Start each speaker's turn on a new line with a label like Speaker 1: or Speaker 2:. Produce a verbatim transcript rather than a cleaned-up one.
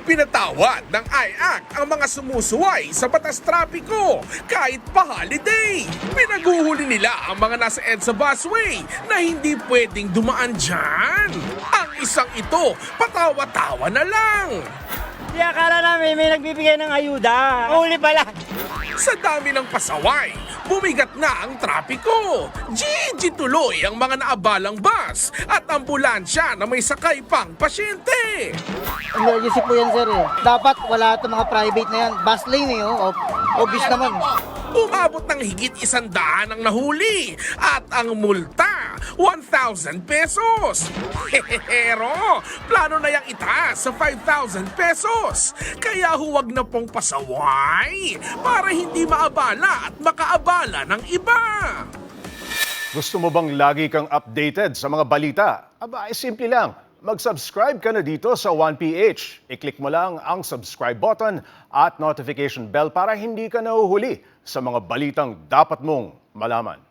Speaker 1: Pinatawad ng I A C ang mga sumusuway sa batas trapiko kahit pa holiday. Pinaguhuli nila ang mga nasa EDSA busway na hindi pwedeng dumaan dyan. Ang isang ito, patawa-tawa na lang.
Speaker 2: Di akala namin may nagbibigay ng ayuda. Huli pala.
Speaker 1: Sa dami ng pasaway, bumigat na ang trapiko. G G tuloy ang mga naabalang bus at ambulansya na may sakay pang pasyente.
Speaker 3: Emergency po yan, sir. Eh. Dapat wala itong mga private na yan. Bus lane eh, oh. Obvious naman.
Speaker 1: Umabot ng higit isang daan ang nahuli at ang multa, one thousand pesos. Pero plano na yang itaas sa five thousand pesos. Kaya huwag na pong pasaway para hindi maabala at makaabala ng iba.
Speaker 4: Gusto mo bang lagi kang updated sa mga balita? Aba, ay simple lang. Mag-subscribe ka na dito sa one P H. I-click mo lang ang subscribe button at notification bell para hindi ka nahuhuli sa mga balitang dapat mong malaman.